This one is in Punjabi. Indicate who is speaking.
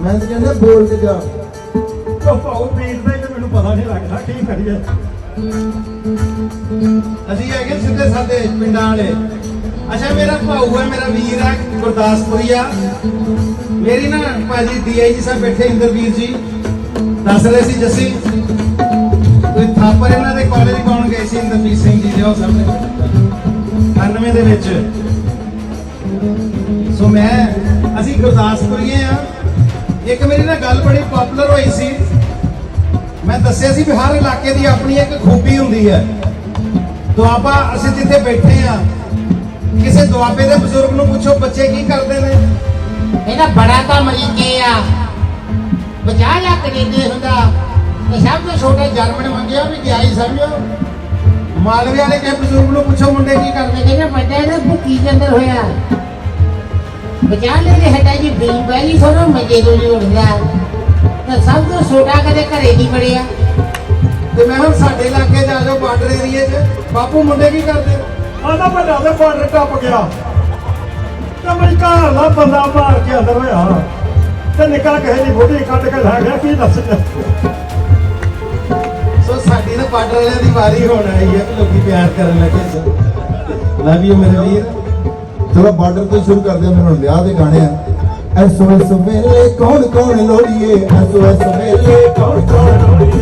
Speaker 1: मैं तो कहना बोल के जा
Speaker 2: ਉਹ ਭਾਉ ਪੀੜਦਾ ਹੀ ਤੇ ਮੈਨੂੰ ਪਤਾ ਨਹੀਂ ਲੱਗਦਾ ਕੀ ਕਰੀਏ।
Speaker 3: ਅਸੀਂ ਹੈਗੇ ਸਿੱਧੇ ਸਾਦੇ ਪਿੰਡਾਂ ਵਾਲੇ। ਅੱਛਾ ਮੇਰਾ ਭਾਊ ਹੈ, ਮੇਰਾ ਵੀਰ ਹੈ ਗੁਰਦਾਸਪੁਰੀਆ। ਮੇਰੀ ਨਾ ਭਾਜੀ DIG ਸਾਹਿਬ ਬੈਠੇ ਇੰਦਰਵੀਰ ਜੀ ਦੱਸ ਰਹੇ ਸੀ ਜੱਸੀ ਕੋਈ ਥਾਪਰ ਇਹਨਾਂ ਦੇ ਕਾਲਜ ਪਾਉਣ ਗਏ ਸੀ ਇੰਦਰਵੀਰ ਸਿੰਘ ਜੀ ਦੇ ਉਹ ਸਾਹਮਣੇ 99 ਦੇ ਵਿੱਚ। ਸੋ ਅਸੀਂ ਗੁਰਦਾਸਪੁਰੀਏ ਆ। ਇੱਕ ਮੇਰੀ ਨਾ ਗੱਲ ਬੜੀ ਪਪੂਲਰ ਹੋਈ ਸੀ। ਮੈਂ ਦੱਸਿਆ ਸੀ ਵੀ ਹਰ ਇਲਾਕੇ ਦੀ ਆਪਣੀ ਇੱਕ ਖੂਬੀ ਹੁੰਦੀ ਹੈ। ਦੁਆਬਾ ਅਸੀਂ ਜਿੱਥੇ ਬੈਠੇ ਆ ਕਿਸੇ ਦੁਆਬੇ ਦੇ ਬਜ਼ੁਰਗ ਨੂੰ ਪੁੱਛੋ ਬੱਚੇ ਕੀ ਕਰਦੇ ਨੇ,
Speaker 4: ਇਹਦਾ ਬੜਾ ਤਾਂ ਅਮਰੀਕੇ ਆ 50 ਲੱਖ ਕੈਨੇਡਾ ਹੁੰਦਾ ਤੇ ਸਭ ਤੋਂ ਛੋਟੇ ਜਰਮਨ ਮੰਗਿਆ ਵੀ ਗਿਆ ਹੀ ਸਮਝੋ।
Speaker 3: ਮਾਲਵੇ ਵਾਲੇ ਕਿਸੇ ਬਜ਼ੁਰਗ ਨੂੰ ਪੁੱਛੋ ਮੁੰਡੇ ਕੀ ਕਰਦੇ।
Speaker 4: ਕਹਿੰਦੇ ਵੱਡਾ ਇਹਦਾ ਭੁੱਕੀ ਦੇ ਅੰਦਰ ਹੋਇਆ 50 ਲੈ ਦੇ ਹਟਾ ਜੀ ਬਿਲ ਬੈਲੀ ਸੋਨੋ ਮਜੇ ਤੋਂ ਜੀ ਉੱਠਦਾ ਤਾਂ ਸਭ ਤੋਂ ਛੋਟਾ ਕਦੇ ਘਰੇ ਨਹੀਂ ਵੜਿਆ।
Speaker 3: ਤੇ ਮੈਂ ਹੁਣ ਸਾਡੇ ਇਲਾਕੇ 'ਚ ਆ ਜਾਓ ਬਾਰਡਰ ਏਰੀਏ 'ਚ ਬਾਪੂ ਮੁੰਡੇ ਕੀ ਕਰਦੇ।
Speaker 2: ਆਂਦਾ ਵੱਡਾ ਤੇ ਬਾਰਡਰ ਟੱਪ ਗਿਆ ਤੇ ਅਮਰੀਕਾ ਵਾਲਾ ਬੰਦਾ ਮਾਰ ਕੇ ਅੰਦਰ ਹੋਇਆ ਤੇ ਨਿਕਲ ਕਿਸੇ ਦੀ ਬੋਟੀ ਕੱਢ ਕੇ ਲੈ ਗਿਆ। ਕੀ ਦੱਸ
Speaker 3: ਸੋ ਸਾਡੀ ਨਾ ਬਾਰਡਰ ਵਾਲਿਆਂ ਦੀ ਵਾਰੀ ਹੋਣ ਆਈ ਹੈ ਕਿ ਲੋਕੀ ਪਿਆਰ ਕਰਨ ਲੱਗੇ। ਲਵ ਯੂ ਮੇਰੇ ਵੀਰ।
Speaker 1: चलो बॉर्डर तो शुरू कर दिया। मेरे ब्याह के गाने SOS वेले कौन कौन लोड़िए SOS वेले कौन कौन